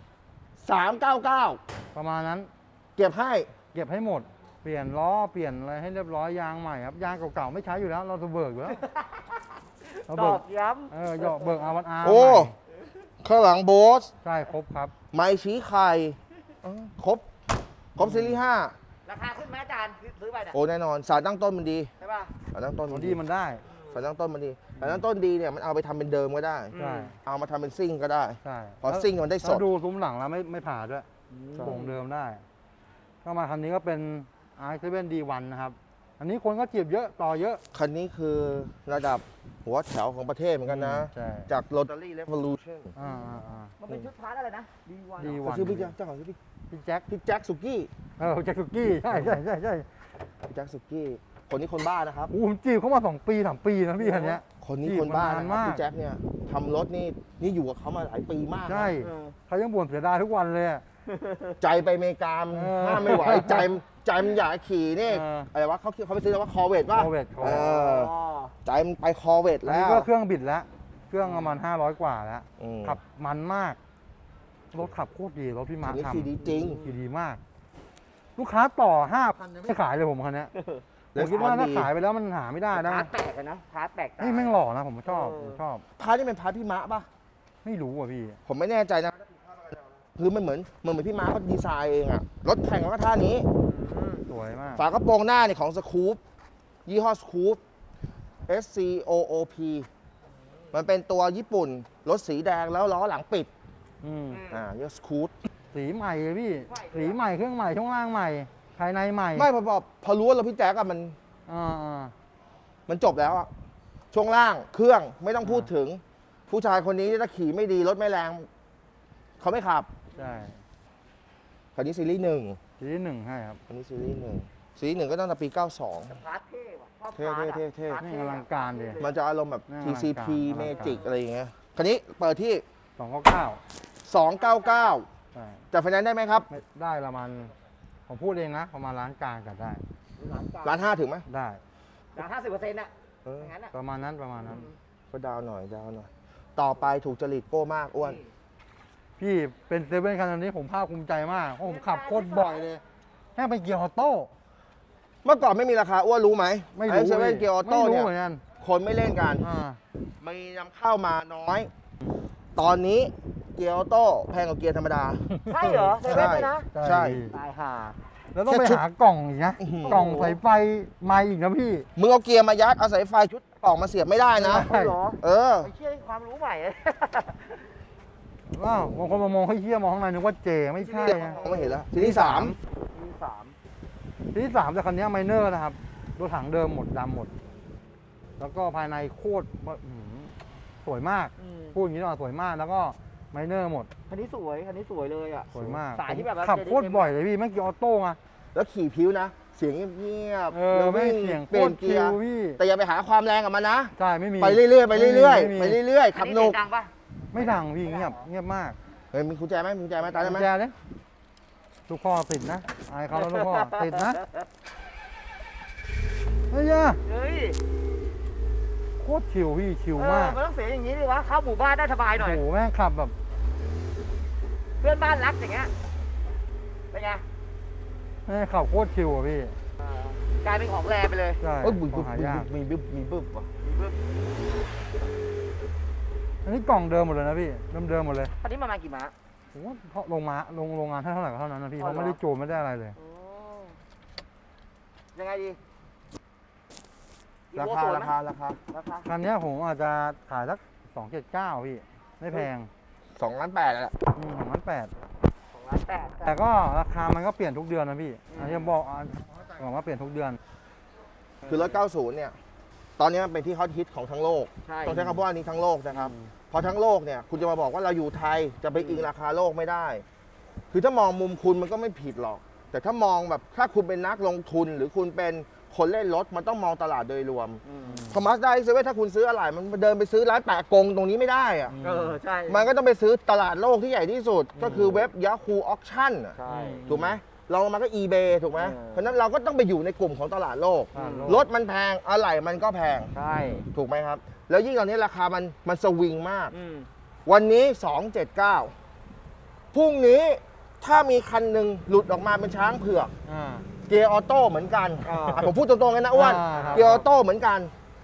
[SPEAKER 1] 399
[SPEAKER 2] ประมาณนั้น
[SPEAKER 1] เก็บให้
[SPEAKER 2] เก็บให้หมด เปลี่ยนล้อ เปลี่ยนอะไรให้เรียบร้อย ยางใหม่ครับ ยางเก่าๆไม่ใช้อยู่แล้ว เราจะเบิกอยู่แล้วเรา
[SPEAKER 3] ต
[SPEAKER 2] เบิ
[SPEAKER 3] อก บย้
[SPEAKER 2] หยอกเบิกอาวันอาร์
[SPEAKER 1] โอ้ ข้างหลังโบส
[SPEAKER 2] ใช่ครบครับ
[SPEAKER 1] ไม้ชี้ไข่ครบซีรีส์
[SPEAKER 3] ำราคาขึ้นไหมอาจารย์ซื้อไปเนี่ย
[SPEAKER 1] 5โอ้แน่นอน สารตั้งต้นมันดี
[SPEAKER 3] ใช่ป่ะ
[SPEAKER 1] สารตั้งต้น
[SPEAKER 2] พ
[SPEAKER 1] มั
[SPEAKER 2] อน ดีมันได้
[SPEAKER 1] สารตั้งต้นมันดีสารตั้งต้นดีเนี่ยมันเอาไปทำเป็นเดิมก็ได้
[SPEAKER 2] ใช่
[SPEAKER 1] เอามาทำเป็นซิ่งก็ได้
[SPEAKER 2] ใช่
[SPEAKER 1] พอซิ่งมันได้ส
[SPEAKER 2] แล้
[SPEAKER 1] ด
[SPEAKER 2] วดูซุ้มหลังแล้วไม่ผ่าด้วย
[SPEAKER 1] ใช่
[SPEAKER 2] โป่งเดิมได้ ก็มาคันนี้ก็เป็น i7D1 นะครับ อันนี้คนก็จีบเยอะต่อเยอะ
[SPEAKER 1] คันนี้คือระดับหัวแถวของประเทศเหมือนกันนะ
[SPEAKER 2] ใช่
[SPEAKER 1] จาก Rotary Revolution
[SPEAKER 3] มันเป็นชุดพาร์ทอะไรนะดีวัน
[SPEAKER 2] ดี
[SPEAKER 1] เขาชื่อพี่แจ็คเจ้าของชื่อพี่
[SPEAKER 2] พี่แจ็ค
[SPEAKER 1] พี่แจ็คสุกี้
[SPEAKER 2] แจ็คสุกี้ใช่ใช่
[SPEAKER 1] พี่แจ็คสุกี้คนนี้คนบ้านะครับ
[SPEAKER 2] โอ้ผมจีบเขามา2 ปี 3 ปีนะพี่คันเนี้ย
[SPEAKER 1] คนนี้คนบ้า
[SPEAKER 2] จีบ
[SPEAKER 1] นะ
[SPEAKER 2] มานาน
[SPEAKER 1] ครับ
[SPEAKER 2] มาก
[SPEAKER 1] พี่แจ็คเนี่ยทำรถนี่อยู่กับเขามาหลายปีมากนะ
[SPEAKER 2] ใช่เขายังบ่นเสียดายทุกวันเลยอะ
[SPEAKER 1] ใจไปอเมริกา
[SPEAKER 2] เออ
[SPEAKER 1] ห้ามไม่ไหวใจมันอยากขี่นี่
[SPEAKER 2] เออ
[SPEAKER 1] อะไรวะเขาไปซื้อแล้วว่าคอเวตป่ะ
[SPEAKER 2] Corvette
[SPEAKER 1] เออใจมันไปคอเวต
[SPEAKER 2] อัน
[SPEAKER 1] แล้
[SPEAKER 2] นี้
[SPEAKER 1] ว
[SPEAKER 2] ก็เครื่องบิดแล้ว เครื่องประมาณ500 กว่าแล้ว
[SPEAKER 1] อืม
[SPEAKER 2] ขับมันมาก รถขับโคตรดี รถพี่มา
[SPEAKER 1] คันนี้
[SPEAKER 2] ทำ
[SPEAKER 1] ขี่ดีจริง
[SPEAKER 2] ขี่ดีมาก ลูกค้าต่อ 5,000ยังไม่ขายเลยผมคันเนี้ยผมคิดว่าถ้าขายไปแล้วมันหาไม่ได้นะ
[SPEAKER 3] พาร์ทแปลกอะนะพาร์ทแปลกตา
[SPEAKER 2] นี่แม่งหล่อนะผมชอบ
[SPEAKER 3] เออ
[SPEAKER 2] ผมชอบ
[SPEAKER 1] พาร์ทนี่เป็นพาร์ทพี่มะป่ะ
[SPEAKER 2] ไม่รู้อ่ะพี่
[SPEAKER 1] ผมไม่แน่ใจนะคือมันเหมือนพี่ม้าเขาดีไซน์เองอะรถแข่งก็ท่านี้
[SPEAKER 2] สวยมาก
[SPEAKER 1] ฝากระโปรงหน้าเนี่ยของสคูปยี่ห้อสคูป SCOOP มันเป็นตัวญี่ปุ่น รถสีแดงแล้วล้อหลังปิด
[SPEAKER 2] อืม
[SPEAKER 1] ยี่ห้อสคูป
[SPEAKER 2] สีใหม่เลยพี่ สีใหม่เครื่องใหม่ช่วงล่างใหม่ ภายในใหม่
[SPEAKER 1] ไม่พอรู้ว่าเราพี่แจ๊กอะ
[SPEAKER 2] อ่า
[SPEAKER 1] มันจบแล้วอะช่วงล่างเครื่องไม่ต้องพูดถึง ผู้ชายคนนี้ถ้าขี่ไม่ดีรถไม่แรงเขาไม่ขับ
[SPEAKER 2] ใช่
[SPEAKER 1] คันนี้ซีรีส์ 1
[SPEAKER 2] สีที่1ให้ครับ
[SPEAKER 1] คันนี้ซีรีส์ 1 สีหนึ่งก็ตั้งแต่ปี 92
[SPEAKER 3] พาร์ทเท่ว่ะชอบ
[SPEAKER 1] เท่
[SPEAKER 3] พาร์ทอะ
[SPEAKER 1] เท่
[SPEAKER 3] พาร์ท
[SPEAKER 2] นี่
[SPEAKER 3] เท่
[SPEAKER 2] อลังการดิ
[SPEAKER 1] มันจะอารมณ์แบบ
[SPEAKER 2] น่าอลังการ
[SPEAKER 1] TCP
[SPEAKER 2] อลังการ
[SPEAKER 1] Magic อะไรอย่างเงี้ย คันนี้เปิดที่
[SPEAKER 2] 299
[SPEAKER 1] 299
[SPEAKER 2] ใช่
[SPEAKER 1] จะไฟแนนซ์ได้ไหมครับ
[SPEAKER 2] ไม่ได้ประมาณผมพูดเองนะประมาณล้านกลางกันได้
[SPEAKER 1] ล้านห้าถึงไหม
[SPEAKER 2] ได้
[SPEAKER 3] จาก50%น่ะ
[SPEAKER 1] เออ
[SPEAKER 3] อย่างนั้นอ่ะ
[SPEAKER 2] ประมาณนั้นประมาณนั้น
[SPEAKER 1] ก็ดาวหน่อย ต่อไปถูกจริตโก้มากอ้วน
[SPEAKER 2] พี่เป็นเซเว่นคันนี้ผมภาคภูมิใจมากเพราะผมขับโคตรบ่อยเลยแค่เป็นเกียร์ออโต้
[SPEAKER 1] เมื่อก่อนไม่มีราคาอ้วนรู้ไหม
[SPEAKER 2] ไม่รู้
[SPEAKER 1] เซเว่นเกียร์ออโต้
[SPEAKER 2] ไม่
[SPEAKER 1] เนี่
[SPEAKER 2] รู้
[SPEAKER 1] ย
[SPEAKER 2] เหมือนกัน
[SPEAKER 1] คนไม่เล่นกัน มีนำเข้ามาน้อย ตอนนี้เกียร์ออโต้แพงกว่าเกียร์ธรรมดา
[SPEAKER 3] ใช่เหรอเซเว่นเลยนะ
[SPEAKER 1] ใช่
[SPEAKER 3] ตายห่า
[SPEAKER 2] แล้วต้องไป
[SPEAKER 1] แค่ชุด
[SPEAKER 2] หากล่องอีกนะ
[SPEAKER 1] อื้อหือ
[SPEAKER 2] กล่องสายไฟมาอีกนะพี่
[SPEAKER 1] มึงเอาเกียร์มายัดเอาสายไฟชุดกล่องมาเสียบไม่ได้นะ
[SPEAKER 2] ใช่
[SPEAKER 3] เหรอ
[SPEAKER 1] เออ
[SPEAKER 3] ไอ้เชี่ยความรู้ใหม่
[SPEAKER 2] ว้าวบางคนมามองให้เหี้ยมองข้างในนึกว่าเจไม่ใช่นะ
[SPEAKER 1] มองไม่เห็นแล้วทีที่
[SPEAKER 3] มีสาม
[SPEAKER 2] ที่สามแต่คันนี้ไมเนอร์นะครับรถถังเดิมหมดดำหมด แล้วก็ภายในโคตรอื้อหือสวยมาก พูดอย่างนี้ดีกว่าสวยมากแล้วก็ไมเนอร์หมด
[SPEAKER 3] คันนี้สวยคันนี้สวยเลยอ่ะ
[SPEAKER 2] สวยมาก
[SPEAKER 3] สายที่แบบว่า
[SPEAKER 2] ขับโคตรบ่อยเลยพี่แม่งเกียร์ออโต้ไง
[SPEAKER 1] 3แล้วขี่พิ้วนะ เสียงเงียบ
[SPEAKER 2] เอ
[SPEAKER 1] ๆ
[SPEAKER 2] อ
[SPEAKER 1] แล้ว
[SPEAKER 2] ไม่
[SPEAKER 1] วิ่ง
[SPEAKER 2] เสียงโค
[SPEAKER 1] เปลี่ย
[SPEAKER 2] ต
[SPEAKER 1] น
[SPEAKER 2] ร
[SPEAKER 1] เกี
[SPEAKER 2] ชิ
[SPEAKER 1] ยร์
[SPEAKER 2] ลพี่
[SPEAKER 1] แต่อย่าไปหาความแรงกับมันนะ
[SPEAKER 2] ใช่ไม่มี
[SPEAKER 1] ไปเรื่อยๆไปเรื่อย
[SPEAKER 2] ไม่
[SPEAKER 1] ๆ
[SPEAKER 2] มี
[SPEAKER 1] ไปเรื่อยๆ
[SPEAKER 3] คั
[SPEAKER 1] ขั
[SPEAKER 3] น
[SPEAKER 1] บ
[SPEAKER 3] นี้
[SPEAKER 1] หนุ
[SPEAKER 3] เสี
[SPEAKER 1] ก
[SPEAKER 3] ยงดังปะ
[SPEAKER 2] ไม่ดังพี่เงียบมาก
[SPEAKER 1] เฮ้ยมีกุญแจไหมมีกุญแจไหมตายได้ไหม
[SPEAKER 2] กุญแจเนี่ยลูกพ่อติดนะอายเขาแล้วลูกพ่อติดนะเฮ้ยอะ
[SPEAKER 3] เฮ้ย
[SPEAKER 2] โคตรชิลพี่ชิล
[SPEAKER 3] เออ
[SPEAKER 2] มาก
[SPEAKER 3] มันต้องเสียงอย่างนี้ดิวะเข้าหมู่บ้านได้สบายหน่อย
[SPEAKER 2] โอ้โหแม่งขับแบบ
[SPEAKER 3] เพื่อนบ้านรักอย่างเงี้ยเป็นไง
[SPEAKER 2] แม่งขับโคตรชิลอะพี่
[SPEAKER 3] กลายเป็นของแรไปเลย
[SPEAKER 2] ใช่
[SPEAKER 1] เอ้ยบึ้บ
[SPEAKER 2] ของหายาก
[SPEAKER 1] มีบึ้บมีบึ้บว่ะ
[SPEAKER 2] อันนี้กล่องเดิมหมดเลยนะพี่เดิมหมดเลย
[SPEAKER 3] คันนี้ประมาณกี่ม้า
[SPEAKER 2] ผมว่าเพราะโรงงานเท่าไหร่ก็เท่านั้นนะพี่
[SPEAKER 3] อ๋อ
[SPEAKER 2] เขา
[SPEAKER 3] เหรอ
[SPEAKER 2] ไม่ได้จูนไม่ได้อะไรเลย
[SPEAKER 3] โอ้ยังไงดี
[SPEAKER 1] ราคาราคาราคา
[SPEAKER 3] ราคา
[SPEAKER 2] คันเนี้ยผมอาจจะขายสัก279พี่ไม่แพง
[SPEAKER 1] 2 ล้าน 8แหละ
[SPEAKER 2] 2,800
[SPEAKER 3] 2,800,000
[SPEAKER 2] แต่ก็ราคามันก็เปลี่ยนทุกเดือนนะพี่อันนี้บอกว่าเปลี่ยนทุกเดือน
[SPEAKER 1] คือรถ 90 เนี่ย ตอนนี้มันเป็นที่ฮอตฮิตของทั้งโลก
[SPEAKER 3] ใช่
[SPEAKER 1] ต้องใช้คำว่านี้ทั้งโลกนะครับ พอทั้งโลกเนี่ย คุณจะมาบอกว่าเราอยู่ไทยจะไปอิงราคาโลกไม่ได้ คือถ้ามองมุมคุณมันก็ไม่ผิดหรอก แต่ถ้ามองแบบถ้าคุณเป็นนักลงทุนหรือคุณเป็นคนเล่นรถมันต้องมองตลาดโดยรวม พอมาสด้าเซเว่นถ้าคุณซื้ออะไรมันเดินไปซื้อร้านแปะกงตรงนี้ไม่ได้อะ
[SPEAKER 3] เออใช่
[SPEAKER 1] มันก็ต้องไปซื้อตลาดโลกที่ใหญ่ที่สุด ก็คือเว็บ Yahoo Auction อะ
[SPEAKER 3] ใช่
[SPEAKER 1] ถูกไหมเรามาก็ eBay ถูกไหม
[SPEAKER 3] เออ
[SPEAKER 1] เพราะฉะนั้นเราก็ต้องไปอยู่ในกลุ่มของตลาดโลก
[SPEAKER 2] ตลาดโลก
[SPEAKER 1] รถมันแพงอะไหล่มันก็แพง
[SPEAKER 3] ใช่
[SPEAKER 1] ถูกไหมครับ แล้วยิ่งตอนนี้ราคามันสวิงมาก
[SPEAKER 3] อืม
[SPEAKER 1] วันนี้ 279พรุ่งนี้ถ้ามีคันหนึ่งหลุดออกมาเป็นช้างเผือก
[SPEAKER 2] อ่า
[SPEAKER 1] เกียร์ออโต้เหมือนกัน
[SPEAKER 3] อ่า
[SPEAKER 1] อ่ะผมพูดตรงๆกันนะอ้วน
[SPEAKER 2] ครับ
[SPEAKER 1] เกียร์ออโต้เหมือนกัน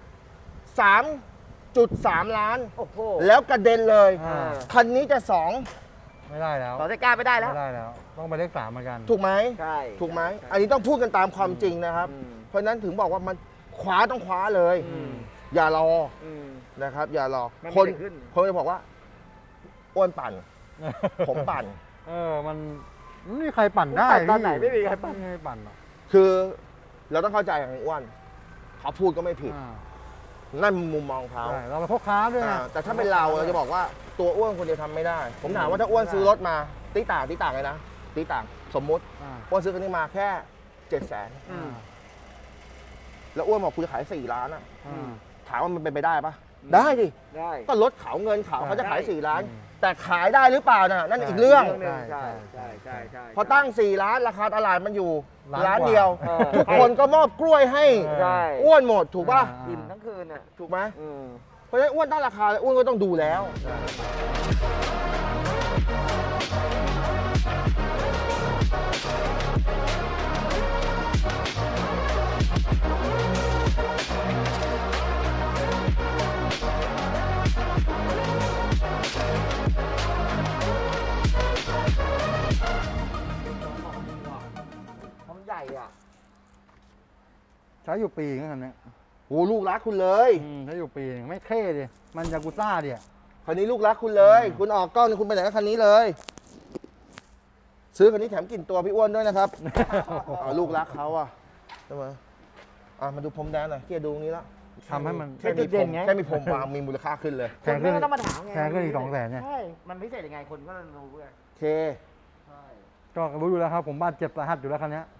[SPEAKER 1] 3.3 ล้าน
[SPEAKER 3] โอ้โห
[SPEAKER 1] แล้วกระเด็นเลย
[SPEAKER 2] อ่า
[SPEAKER 1] คันนี้จะ
[SPEAKER 2] ไม่ได้แล้ว
[SPEAKER 3] ต่อใจกล้าไม่ได้แล้ว
[SPEAKER 2] ไม่ได้แล้ว ต้องไปเลข3เหมือนกัน
[SPEAKER 1] 2 ถูกไหม
[SPEAKER 3] ใช่
[SPEAKER 1] ถูกไหม อันนี้ต้องพูดกันตามความจริงนะครับ
[SPEAKER 3] อืม
[SPEAKER 1] เพราะฉะนั้นถึงบอกว่ามันคว้าต้องคว้าเลย
[SPEAKER 3] อืม
[SPEAKER 1] อย่ารอ
[SPEAKER 3] อืม
[SPEAKER 1] นะครับ อย่ารอ
[SPEAKER 3] มัน
[SPEAKER 1] คน
[SPEAKER 3] ไม่ได้ขึ้น
[SPEAKER 1] คนจะบอกว่า อ้วนปั่น ผมปั่น
[SPEAKER 2] มันไม่มีใครปั่นได้
[SPEAKER 3] ปั่นตอนไหนไม่มีใครปั่น
[SPEAKER 2] ไม่มีใครปั่นหรอก
[SPEAKER 1] คือเราต้องเข้าใจอย่างอ้วนเขาพูดก็ไม่ผิด
[SPEAKER 2] อ่า
[SPEAKER 1] นั่นมุมมองเขา
[SPEAKER 2] ใช่เราเป็นพ่อค้าด้วยไง
[SPEAKER 1] แต่ถ้าเป็นเราจะบอกว่าตัวอ้วนคนเดียวทำไม่ได้ ผมถามว่าถ้าอ้วนซื้อรถมาตีต่างเลยนะตีต่างสมมุติ
[SPEAKER 2] อ่า
[SPEAKER 1] อ้วนซื้อคันนี้มาแค่ 700,000
[SPEAKER 3] อืม
[SPEAKER 1] แล้วอ้วนบอกคุณจะขาย4 ล้านอะ
[SPEAKER 2] อ่า
[SPEAKER 1] ถามว่ามันเป็นไปได้ปะได้ดิ
[SPEAKER 3] ได้
[SPEAKER 1] ก็รถเขาเงินเขาเขาจะขาย
[SPEAKER 3] ได้
[SPEAKER 1] 4 ล้าน
[SPEAKER 2] อืม
[SPEAKER 1] แต่ขายได้หรือเปล่าน่ะนั่นอีกเรื่อง
[SPEAKER 3] หนึ่ง
[SPEAKER 2] ใช่
[SPEAKER 3] ใช่ใช่ใช่ใช่
[SPEAKER 1] พอตั้ง 4 ล้านราคาตลาดมันอยู่
[SPEAKER 2] ล้าน
[SPEAKER 1] ล้าน
[SPEAKER 2] กว่า
[SPEAKER 1] เดียว
[SPEAKER 3] เออ
[SPEAKER 1] ทุกคนก็มอบกล้วยให้
[SPEAKER 3] ใช่
[SPEAKER 1] อ้วนหมดถูกป่ะ
[SPEAKER 2] อ่า
[SPEAKER 3] อิ่มทั้งคืนอ่ะ
[SPEAKER 1] ถูกไหม
[SPEAKER 3] อืม
[SPEAKER 1] เพราะฉะนั้นอ้วนตั้งราคาแล้วอ้วนก็ต้องดูแล้ว
[SPEAKER 3] มันใหญ่อ่ะ
[SPEAKER 2] ใช้อยู่ปีนึงคันเนี้ย
[SPEAKER 1] โอ้ลูกรักคุณเลย
[SPEAKER 2] ใช้อยู่ปีนึงไม่เท่ดิมันยากุซ่าดิ
[SPEAKER 1] คันนี้ลูกรักคุณเลย คุณออกกล้องเนี่ยคุณไปไหนกับคันนี้เลย ซื้อคันนี้แถมกลิ่นตัวพี่อ้วนด้วยนะครับเอาลูกรักเขาอะใช่ไหมมาดูพรมแดงหน่อยเกียร์ดูตรงนี้แล้ว
[SPEAKER 2] ทำให้มัน
[SPEAKER 1] แค่มีพรมแค่มีพรมวางมีมูลค่าขึ้นเลย
[SPEAKER 2] แพงขึ้น
[SPEAKER 3] คนก็ต้องมาถามไง
[SPEAKER 2] แพงขึ้นอีก200,000เนี่ย
[SPEAKER 3] ใช่ มันพิเศษยังไงคนก็รู้ไง
[SPEAKER 1] โอเค
[SPEAKER 3] ใช่
[SPEAKER 2] ก็รู้อยู่แล้วครับผมบาดเจ็บสาหัสอยู่แล้วคันเนี้ย
[SPEAKER 3] เออ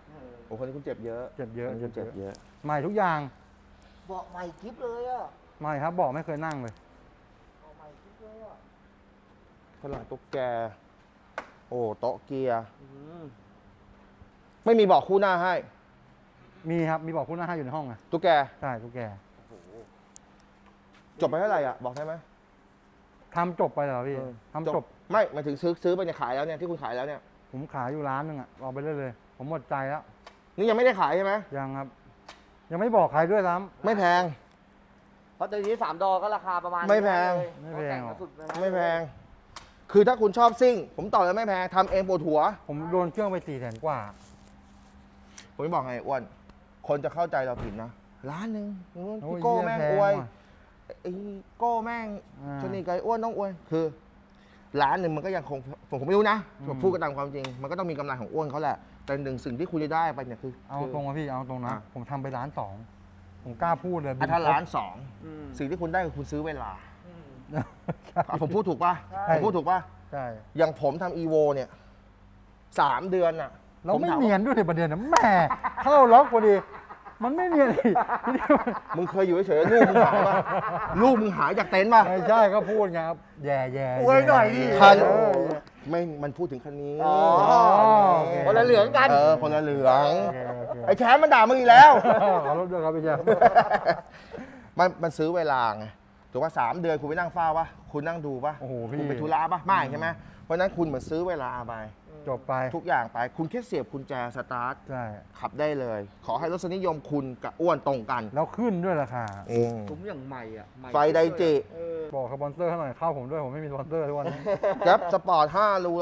[SPEAKER 1] โอ้คนนี้คุณเจ็บเยอะ
[SPEAKER 2] เจ็บเยอะ
[SPEAKER 1] คนนี้คุณเจ็บเยอะ
[SPEAKER 2] ใหม่ทุกอย่าง
[SPEAKER 3] เบาะใหม่กิ๊บเลยอ่ะ
[SPEAKER 2] ใหม่ครับบอกไม่เคยนั่งเลย
[SPEAKER 3] เบาะใหม่กิ๊บเลยอ่ะ
[SPEAKER 1] ฝรั่งตุ๊กแก โอ้โต๊ะเกียร์
[SPEAKER 3] อืม
[SPEAKER 1] ไม่มีเบาะคู่หน้าให้
[SPEAKER 2] มีครับมีบอกคู่หน้าให้อยู่ในห้องไง
[SPEAKER 1] ตุ๊กแก
[SPEAKER 2] ใช่ทุกแก
[SPEAKER 3] โอ้โห
[SPEAKER 1] จบไปเท่าไหร่อ่ะ บอกได้ไหม
[SPEAKER 2] ทำจบไปเหรอพี่
[SPEAKER 1] เออ
[SPEAKER 2] ทำจบ
[SPEAKER 1] ไม่หมายถึงซื้อไปเนี่ยขายแล้วเนี่ยที่คุณขายแล้วเนี่ย
[SPEAKER 2] ผมขายอยู่ร้านหนึงอะเอาไปเรื่อยเลยผมหมดใจแล้ว
[SPEAKER 1] นี่ยังไม่ได้ขายใช่ไหม
[SPEAKER 2] ยังครับ ยังไม่บอกใครด้วยซ้ำ
[SPEAKER 1] ไม่แพง
[SPEAKER 3] เพราะตอนนี้3 ดอก็ราคาประมาณ
[SPEAKER 1] ไม่แพง
[SPEAKER 3] นี้เลย
[SPEAKER 2] ไม่แพงหรอก
[SPEAKER 3] ต่สุดนะครับ
[SPEAKER 1] ไม่แพง คือถ้าคุณชอบซิ่ง ผมต่อเลยไม่แพงทำเองปวดหัว
[SPEAKER 2] ผมโดนเครื่องไป400,000 กว่า
[SPEAKER 1] ผมจะบอกไงอ้วน คนจะเข้าใจเราผิดนะร้านหนึ่ง
[SPEAKER 2] โอ้ย
[SPEAKER 1] พี่โก้แม่ง
[SPEAKER 2] เหี้ย
[SPEAKER 1] อวย
[SPEAKER 2] แพงว่ะ
[SPEAKER 1] ไอ้โก้แม่ง
[SPEAKER 2] อ่า
[SPEAKER 1] ชนีไก่อ้วนต้องอวย คือ ร้านหนึ่งมันก็ยังคงผมไม่รู้นะ
[SPEAKER 2] อืม
[SPEAKER 1] ผมพูดกันตามความจริง มันก็ต้องมีกำไรของอ้วนเขาแหละ แต่หนึ่งสิ่งที่คุณจะได้ไปเนี่ยคือ
[SPEAKER 2] เอาตรงนะพี่เอาตรงนะ
[SPEAKER 1] อ่ะ
[SPEAKER 2] ผมทำไป1.2 ล้าน ผมกล้าพูดเลย
[SPEAKER 1] อันถ้าล้านสอง
[SPEAKER 3] อืม
[SPEAKER 1] สิ่งที่คุณได้คือคุณซื้อเวลา
[SPEAKER 3] อืม
[SPEAKER 2] ใช่
[SPEAKER 1] อ่ะผมพูดถูกป่ะ
[SPEAKER 3] ใช่
[SPEAKER 1] ผมพูดถูกป่ะ
[SPEAKER 2] ใช่
[SPEAKER 1] อย่างผมทำอีโวเนี่ย3 เดือนน่ะ
[SPEAKER 2] เราไม่
[SPEAKER 1] ผถา
[SPEAKER 2] เนียนด้วยในประเด็นนะแหม่เข้าล็อกพอดี มันไม่เนียนอีก
[SPEAKER 1] มึงเคยอยู่เฉยๆลูกมึงหายป่ะลูกมึงหายจากเต็นท์ป่ะ
[SPEAKER 2] ไม่ใช่ก็พูดไงครับแย่แย่
[SPEAKER 3] อวยหน่อยดิ
[SPEAKER 1] คัน
[SPEAKER 2] เออ
[SPEAKER 1] ไม่มันพูดถึงคันนี้
[SPEAKER 3] อ๋อ
[SPEAKER 2] โอเค
[SPEAKER 3] คนละเหลืองกัน
[SPEAKER 1] คนละเหลือง
[SPEAKER 2] โอเคโอเค
[SPEAKER 1] ไอ้แชมป์มันด่ามึงอีกแล้ว
[SPEAKER 2] ขอรบด้วยครับพี่แจ๊ค
[SPEAKER 1] มันซื้อเวลาไงถูกว่า3 เดือนคุณไปนั่งเฝ้าป่ะคุณนั่งดูป่ะ
[SPEAKER 2] โอ้โหพี่
[SPEAKER 1] คุณไปธุระป่ะไม่ใช่ไหมเพราะฉะนั้นคุณเหมือนซื้อเวลาไป
[SPEAKER 2] จบไป
[SPEAKER 1] ทุกอย่างไป คุณแค่เสียบกุญแจสตาร์ท
[SPEAKER 2] ใช่
[SPEAKER 1] ขับได้เลย ขอให้รสนิยมคุณกับอ้วนตรงกัน
[SPEAKER 2] แล้วขึ้นด้วยราคา
[SPEAKER 3] ผมอย่างใหม่อ่ะใหม่
[SPEAKER 1] ไฟไดจิ
[SPEAKER 3] เออ
[SPEAKER 2] บอกสปอนเซอร์ให้หน่อยเข้าผมด้วยผมไม่มีสปอนเซอร์ทุกวันนี้
[SPEAKER 1] แก๊ปสปอร์ต5รู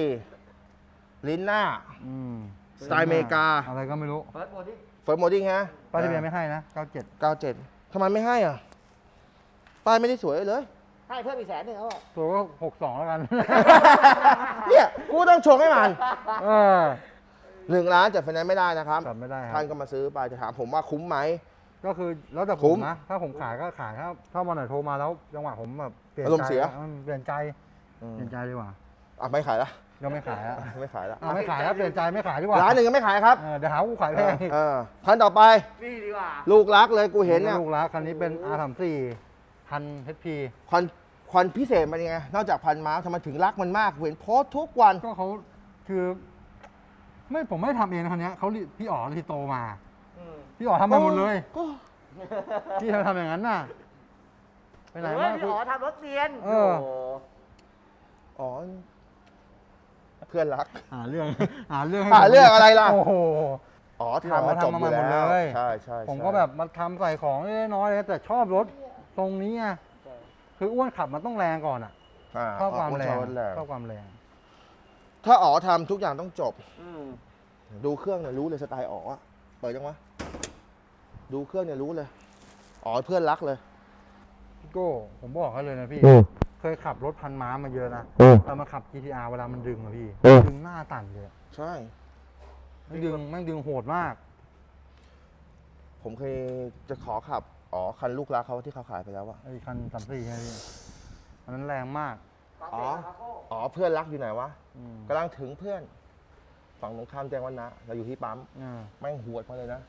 [SPEAKER 1] 114 ลิ้นหน้า
[SPEAKER 2] อืม
[SPEAKER 1] สไตล์อเมริกา
[SPEAKER 2] อะไรก็ไม่รู้
[SPEAKER 3] เปิดโหมดดิ
[SPEAKER 1] เฟิร์มโมดิ้งฮะ
[SPEAKER 2] ป้ายทะเบียนไม่ให้นะ 97
[SPEAKER 1] 97ทำไมไม่ให้อ่ะ ป้ายไม่ได้สวยเลย
[SPEAKER 3] ให้เพิ่มอีก100,000เขาบอก
[SPEAKER 2] ตัวก็ 62 แล้วกัน
[SPEAKER 1] เนี่ย กูต้องชงให้มัน
[SPEAKER 2] เออ
[SPEAKER 1] 1 ล้านจัดไฟแนนซ์ไม่ได้นะครับ
[SPEAKER 2] จัดไม่ได้ครั
[SPEAKER 1] ท่า
[SPEAKER 2] บ
[SPEAKER 1] นก็มาซื้อไปจะถามผมว่าคุ้มไหม
[SPEAKER 2] ก็คือแล้วแต่ผ
[SPEAKER 1] คุ้
[SPEAKER 2] ม
[SPEAKER 1] ม
[SPEAKER 2] นะ ถ้าผมขายก็ขายถ้าวันไหนโทรมาแล้วจังหวะผมแบบเปลี่ยน
[SPEAKER 1] อารมณ์
[SPEAKER 2] ใจ
[SPEAKER 1] เสีย
[SPEAKER 2] เปลี่ยนใจ
[SPEAKER 1] อืม
[SPEAKER 2] เปลี่ยนใจดีกว่า
[SPEAKER 1] อ่ะไม่ขายละ
[SPEAKER 2] ก็ไม่ขายแล้ว
[SPEAKER 1] ไม่ขายละ
[SPEAKER 2] ไม่ขายแล้วเปลี่ยนใจไม่ขายดีกว่า
[SPEAKER 1] ร้านหนึ่งก็ไม่ขายครับ
[SPEAKER 2] เดี๋ยวหากูขายแพงอีก
[SPEAKER 1] พันต่อไป
[SPEAKER 3] นี่ดีกว่า
[SPEAKER 1] ลูกรักเลยกูเห็นเนี่ย
[SPEAKER 2] ลูกรักคันนี้เป็น R34 พัน HP
[SPEAKER 1] ควันพิเศษมันยังไง นอกจากพันม้าทำไมถึงรักมันมากเห็นโพสต์ทุกวัน
[SPEAKER 2] ก็เขาคือ ผมไม่ได้ทำเองนะคันนี้เขาพี่อ๋อรีโตมา
[SPEAKER 3] อืม
[SPEAKER 2] พี่อ๋อทำมาหมดเลย
[SPEAKER 1] ก็
[SPEAKER 2] พี่ทำอย่างนั้นน่ะไปไหน
[SPEAKER 3] เฮ้
[SPEAKER 2] มาย
[SPEAKER 3] พี่อ๋อทำรถเซียน
[SPEAKER 2] เออ
[SPEAKER 3] โโห
[SPEAKER 1] อ๋อ เพื่อนรัก
[SPEAKER 2] หาเรื่องหาเรื่องให้
[SPEAKER 1] หาเรื่องอะไรล่ะ
[SPEAKER 2] โอ้โห
[SPEAKER 1] อ๋อทำมาจบอยู่
[SPEAKER 2] ทำมาหม
[SPEAKER 1] แล้
[SPEAKER 2] ด
[SPEAKER 1] ว
[SPEAKER 2] เลย
[SPEAKER 1] ใช่ใช่
[SPEAKER 2] ผมก็แบบมาทำใส่ของเล็กน้อยๆแต่ชอบรถทรงนี้ไงคืออ้วนขับมันต้องแรงก่อนอ่ะ ชอบความแรง ชอบความแรง
[SPEAKER 1] ถ้าอ๋อทำทุกอย่างต้องจบ
[SPEAKER 3] อืม
[SPEAKER 1] ดูเครื่องเนี่ยรู้เลยสไตล์อ๋ออะเปิดยังวะ ดูเครื่องเนี่ยรู้เลย อ๋อเพื่อนรักเลย
[SPEAKER 2] พี่โก้ผมบอกให้เลยนะพี่ เคยขับรถพันม้ามาเยอะนะแต่มาขับ GTR เวลามันดึงอะพี่ ดึงหน้าตันเลย
[SPEAKER 1] ใช่
[SPEAKER 2] ไม่ดึงโหดมาก
[SPEAKER 1] ผมเคยจะขอขับ อ๋อ คันลูกรักเขาที่เขาขายไปแล้วอะ
[SPEAKER 2] ไอ้คัน34ใช่ไหมพี่อันนั้นแรงมาก
[SPEAKER 1] อ๋อ อ๋อ เพื่อนรักอยู่ไหนวะ
[SPEAKER 2] อืม
[SPEAKER 1] กำลังถึงเพื่อน ฝั่งตรงข้ามแจ้งวัฒนะเราอยู่ที่ปั๊ม
[SPEAKER 2] อ่า
[SPEAKER 1] แม่งหวดมาเลยนะ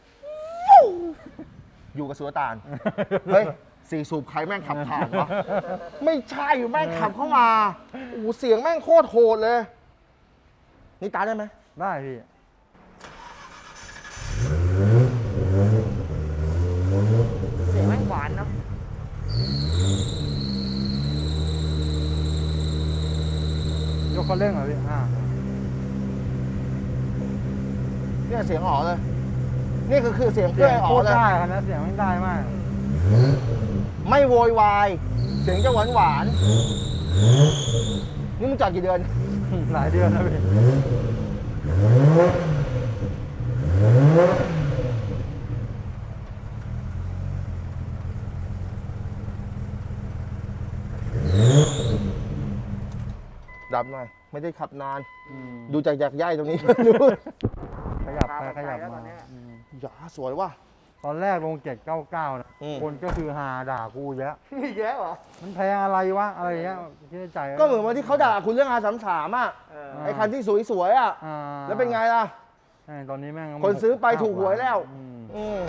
[SPEAKER 1] อยู่กับสุลต่าน เฮ้ยสี่สูบใครแม่งขับผ่านวะ ไม่ใช่แม่งขับเข้ามา โอ้โหเสียงแม่งโคตรโหดเลย นี่ตาได้ไหม
[SPEAKER 2] ได้พี่
[SPEAKER 3] เสียงแม่งหวานนะ
[SPEAKER 2] ยกคันเร่งเหรอพี่
[SPEAKER 1] เนี่ยเสียงอ๋อเลย นี่คือเสียงเพื่
[SPEAKER 2] เสี
[SPEAKER 1] อย น
[SPEAKER 2] ง
[SPEAKER 1] อ๋
[SPEAKER 2] โค
[SPEAKER 1] อ
[SPEAKER 2] ตร
[SPEAKER 1] เลย
[SPEAKER 2] ได้คันนั้นเสียงมันได้มาก
[SPEAKER 1] ไม่โวยวาย เสียงจะหวานหวานๆนี่มึงจอดกี่เดือน
[SPEAKER 2] หลายเดือนแล้วพี่
[SPEAKER 1] ดับหน่อย ไม่ได้ขับนาน
[SPEAKER 2] อืม
[SPEAKER 1] ดูจากยักย่ายตรงนี้
[SPEAKER 2] ขยับไปขยับมาอืม
[SPEAKER 1] อย่าสวยว่ะ
[SPEAKER 2] ตอนแรกลง799นะ
[SPEAKER 1] อืม
[SPEAKER 2] คนก็คือหาด่ากูเยอะ
[SPEAKER 3] มีเยอะเหรอ
[SPEAKER 2] มันแพงอะไรวะ อะไรอย่างเงี้ยคิดในใจ
[SPEAKER 1] ก็เหมือนวันที่เขาด่าคุณเรื่องR33อ่ะ
[SPEAKER 3] เออ
[SPEAKER 1] ไอ้คันที่สวยๆอ่ะ
[SPEAKER 2] อ่า
[SPEAKER 1] แล้วเป็นไงล่ะ
[SPEAKER 2] ตอนนี้แม่ง
[SPEAKER 1] คนซื้อไปถูกหวยแล้ว อืม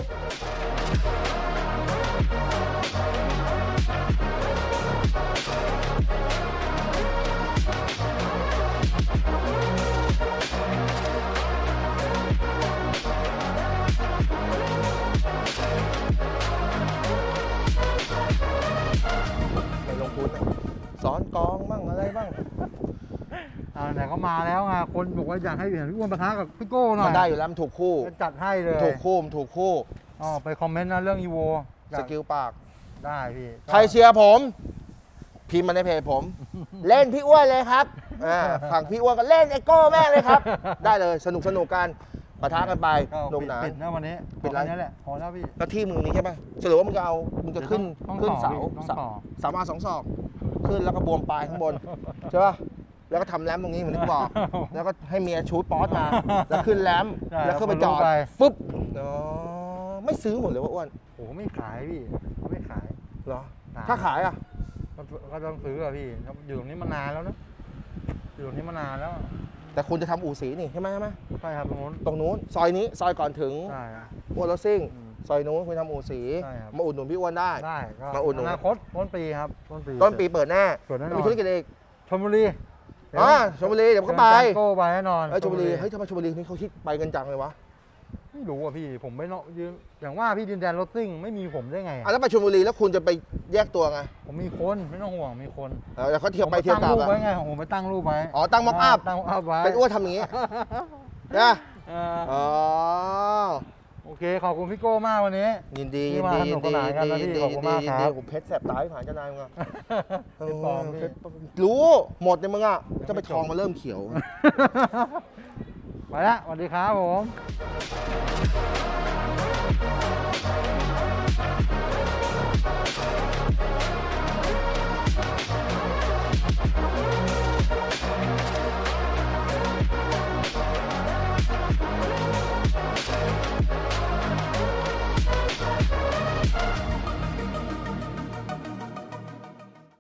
[SPEAKER 1] ไปลงทุนอะสอนกองบ้างอะไรบ้าง
[SPEAKER 2] ไหนก็มาแล้วไงคนบอกว่าอยากให้เห็นพี่อ้วนปะทะกับพี่โก้หน่อย
[SPEAKER 1] มันได้อยู่แล้วมันถูกคู่
[SPEAKER 2] จะจัดให้เลย
[SPEAKER 1] ถูกคู่มันถูกคู่
[SPEAKER 2] อ๋อไปคอมเมนต์นะเรื่องอีโว
[SPEAKER 1] สกิลปาก
[SPEAKER 2] ได้พี่
[SPEAKER 1] ใครเชียร์ผม พิมพ์มาในเพจผม เล่นพี่อ้วนเลยครับฝั่งพี่อ้วนก็เล่นไอโก้แม่งเลยครับ ได้เลยสนุกกันปะทะกันไป
[SPEAKER 2] ก็
[SPEAKER 1] หนุกหนาน
[SPEAKER 2] ปิดนะวันนี้
[SPEAKER 1] ปิดไร
[SPEAKER 2] แค่นี้แหละพอแล้วพี่
[SPEAKER 1] แล้วที่มึงนี้ใช่ปะสรุปว่ามึงจะเอามึงจะขึ้น
[SPEAKER 2] ต้อง
[SPEAKER 1] ขึ้น
[SPEAKER 2] ต่อ
[SPEAKER 1] เสา
[SPEAKER 2] พี่ต้องต่อ
[SPEAKER 1] เสามา2 ศอกขึ้นแล้วก็บวมปลายข้างบนใช่ปะแล้วก็ทำแรมตรงนี้เหมือนที่บอก แล้วก็ให้เมียชูดป๊อตมา แล้วขึ้นแรม
[SPEAKER 2] ใช่
[SPEAKER 1] แล้วขึ้นไปจอด
[SPEAKER 2] ไป
[SPEAKER 1] ฟึบอ๋อไม่ซื้อหมดเลยว่าอ้วน
[SPEAKER 2] โอ้โหไม่ขายพี่เขาไม่ขาย
[SPEAKER 1] เหรอ
[SPEAKER 2] ขาย
[SPEAKER 1] ถ้าขายอ่ะ
[SPEAKER 2] ก็ต้องซื้ออะพี่อยู่ตรงนี้มานานแล้วนะอยู่ตรงนี้มานานแล้ว
[SPEAKER 1] แต่คุณจะทำอู่สีนี่ใช่ไหม
[SPEAKER 2] ใช่ครับตรงนู้น
[SPEAKER 1] ตรงนู้นซอยนี้ซอยก่อนถึง
[SPEAKER 2] ใช่ครับ
[SPEAKER 1] อ้วนรถซิ่ง
[SPEAKER 2] อืม
[SPEAKER 1] ซอยนู้นคุณทำอู่สี
[SPEAKER 2] ใช่ครับ
[SPEAKER 1] มาอุดหนุนพี่อ้วนได้
[SPEAKER 2] ได้ก็
[SPEAKER 1] มาอุดหนุน
[SPEAKER 2] อนาคตต้นปีครับต้นปี
[SPEAKER 1] ต้นปีเปิดแน่
[SPEAKER 2] เปิดแน่นอน
[SPEAKER 1] มีธุรกิจอีก
[SPEAKER 2] ชลบุรี
[SPEAKER 1] ชลบุรีเดี๋ยวมันก็ไป
[SPEAKER 2] เดินจังโก้ไปแน่นอน
[SPEAKER 1] ชลบุรีเฮ้ยทำไมชลบุรีนี่เขาคิดไปกันจังเลยวะ
[SPEAKER 2] ไม่รู้อ่ะพี่ผมไม่เนาะอย่างว่าพี่ดินแดนรถซิ่งไม่มีผมได้ไง
[SPEAKER 1] อ่ะแล้วไปชลบุรีแล้วคุณจะไปแยกตัวไง
[SPEAKER 2] ผมมีคนไม่ต้องห่วงมีคน
[SPEAKER 1] แล้วเขาเที่ยวไป
[SPEAKER 2] ผม
[SPEAKER 1] เที่ยวกลับ
[SPEAKER 2] ตั้งรูป
[SPEAKER 1] อะ
[SPEAKER 2] ไว้ไงผมไปตั้งรูปไว้
[SPEAKER 1] อ๋อตั้งม็อกอัพ
[SPEAKER 2] ตั้งม็อกอัพไว้
[SPEAKER 1] เป็นอ้วนทำอย่างงี้นะ
[SPEAKER 2] เออ
[SPEAKER 1] อ๋อ
[SPEAKER 2] โอเคขอบคุณพี่โก้มากวันนี้
[SPEAKER 1] ยินดี
[SPEAKER 2] ที่
[SPEAKER 1] ยิน
[SPEAKER 2] มา
[SPEAKER 1] ดี
[SPEAKER 2] สนุ
[SPEAKER 1] ยิ
[SPEAKER 2] ก
[SPEAKER 1] น
[SPEAKER 2] ส
[SPEAKER 1] ดี
[SPEAKER 2] นานกันนะ
[SPEAKER 1] ยิน
[SPEAKER 2] พี่
[SPEAKER 1] ดี
[SPEAKER 2] ขอบคุณมากครับ
[SPEAKER 1] ผมเพชรแสบตายผ่านเจ้านายมึงอะ
[SPEAKER 2] เป็นปลอมพี่
[SPEAKER 1] รู้หมดเนี่ยมึงอะจะไปทองมาเริ่มเขียว
[SPEAKER 2] ไปละสวัสดีครับผม